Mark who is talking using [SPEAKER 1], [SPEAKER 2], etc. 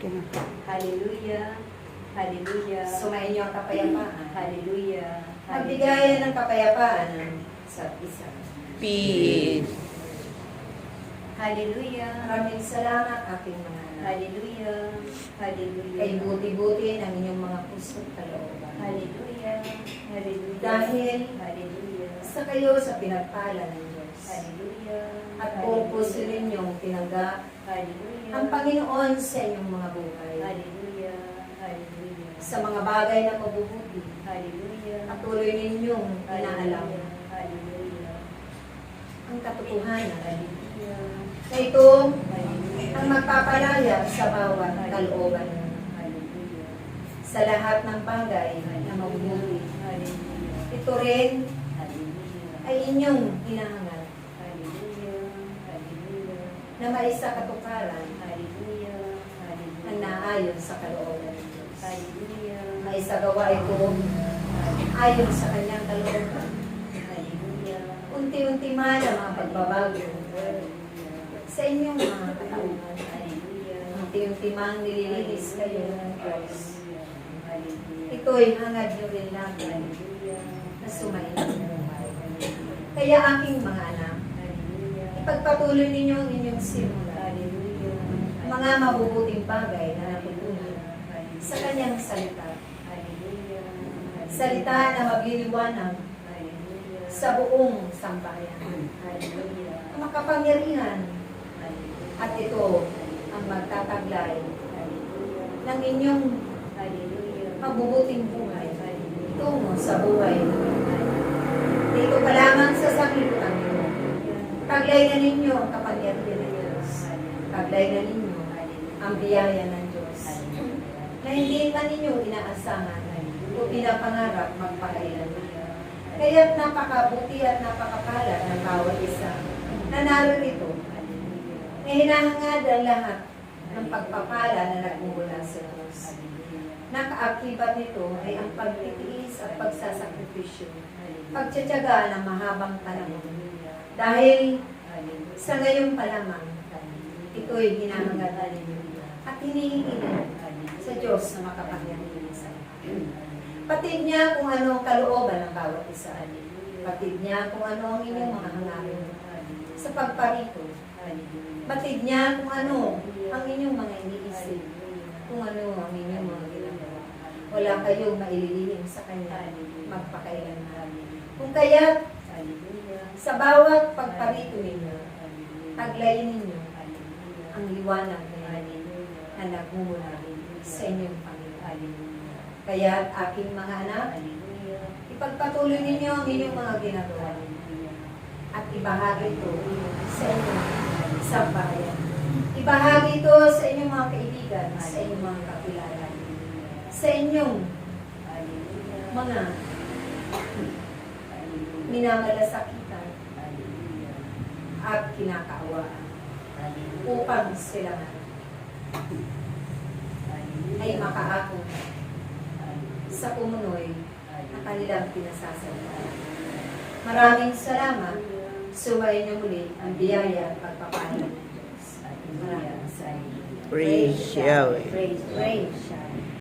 [SPEAKER 1] Hallelujah. Hallelujah.
[SPEAKER 2] Sumayin niyo ang kapayapaan.
[SPEAKER 1] Hallelujah.
[SPEAKER 2] Magbigayan ng kapayapaan sa isa.
[SPEAKER 3] Peace.
[SPEAKER 1] Hallelujah.
[SPEAKER 2] Maraming salamat aking mga anak.
[SPEAKER 1] Hallelujah. Hallelujah.
[SPEAKER 2] Kay buti-buti ng inyong mga puso't kalooban.
[SPEAKER 1] Hallelujah. Hallelujah.
[SPEAKER 2] Dahil
[SPEAKER 1] Hallelujah.
[SPEAKER 2] sa kayo sa pinagpala ng Diyos.
[SPEAKER 1] Hallelujah.
[SPEAKER 2] At buong puso ninyong tinanggap
[SPEAKER 1] Hallelujah.
[SPEAKER 2] ang Panginoon sa inyong mga buhay.
[SPEAKER 1] Hallelujah. Hallelujah.
[SPEAKER 2] Sa mga bagay na mabubuti.
[SPEAKER 1] Hallelujah.
[SPEAKER 2] At tuloy ninyong inaalam
[SPEAKER 1] Hallelujah.
[SPEAKER 2] ang katotohanan
[SPEAKER 1] Hallelujah.
[SPEAKER 2] na ito
[SPEAKER 1] Hallelujah.
[SPEAKER 2] ang magpapalaya sa bawat kalooban
[SPEAKER 1] Hallelujah.
[SPEAKER 2] sa lahat ng bagay na mabubuti.
[SPEAKER 1] Hallelujah.
[SPEAKER 2] Ito rin
[SPEAKER 1] Hallelujah.
[SPEAKER 2] ay inyong hinahangad
[SPEAKER 1] Hallelujah. Hallelujah.
[SPEAKER 2] na maisa katuparan
[SPEAKER 1] Hallelujah.
[SPEAKER 2] ang naayon sa kalooban ng Diyos.
[SPEAKER 1] Hallelujah.
[SPEAKER 2] Maisagawa ito ayon sa kanyang kalooban.
[SPEAKER 1] Hallelujah.
[SPEAKER 2] Unti-unti man ang mga pagbabago sa inyong mga katauhan.
[SPEAKER 1] Hallelujah.
[SPEAKER 2] Unti-unti man nililinis kayo ng Diyos.
[SPEAKER 1] Hallelujah.
[SPEAKER 2] Ito'y hangad nyo rin natin
[SPEAKER 1] Hallelujah.
[SPEAKER 2] na sumayin ng buhay. Kaya aking mga anak,
[SPEAKER 1] Hallelujah.
[SPEAKER 2] ipagpatuloy ninyo ang inyong simula.
[SPEAKER 1] Hallelujah.
[SPEAKER 2] Mga mabubuting bagay na natutunan sa kanyang salita.
[SPEAKER 1] Hallelujah.
[SPEAKER 2] Salita na magliliwanag
[SPEAKER 1] Hallelujah.
[SPEAKER 2] sa buong sambayan.
[SPEAKER 1] Hallelujah.
[SPEAKER 2] Ang makapangyarihan
[SPEAKER 1] Hallelujah.
[SPEAKER 2] at ito ang magtataglay
[SPEAKER 1] Hallelujah.
[SPEAKER 2] ng inyong
[SPEAKER 1] Hallelujah.
[SPEAKER 2] mabubuting buhay tungo sa buhay. Dito pa lamang sa sanglibutan nyo. Taglay na ninyo ang kapangyarihan ng Diyos. Taglay na ninyo ang biyaya ng Diyos na hindi man ninyo inaasahan o pinapangarap magpakailan. Kaya't napakabuti at napakapala ng bawat isa na narito na hinahangad ang lahat ng pagpapala na nagmumula sa Diyos. Nakaakibat nito ay ang pagtitiis at pagsasakripisyo, pagtsatsaga ng mahabang panahon. Dahil sa ngayon pa lamang, ito'y hinahangad ninyo at hinihingi sa Diyos na makapangyarihan sa lahat. Patid niya kung ano ang kalooban ng bawat isa. Patid niya kung ano ang inyong mga hangarin sa pagparito. Batid niya kung ano ang inyong mga iniisip, kung ano ang inyong mga ginagawa. Wala kayong maililihim sa Kanya magpakailanman. Kung kaya't sa bawat pagparito ninyo, taglayin ninyo ang liwanag na nagmumula sa inyong Panginoon. Kaya aking mga anak, ipagpatuloy ninyo ang inyong mga ginagawa at ibahagi ito sa inyong sambahayan. Ibahagi ito sa inyong mga kaibigan, sa inyong mga kakilala, sa inyong mga minamalasakitan at kinakaawaan upang sila ay makaako sa pumunoy na kanilang pinasasalita. Maraming salamat. Suwayin niyo muli ang biyaya at pagpapala ng Diyos. Maraming salamat.
[SPEAKER 3] Praise Yahweh.
[SPEAKER 2] Praise Yahweh.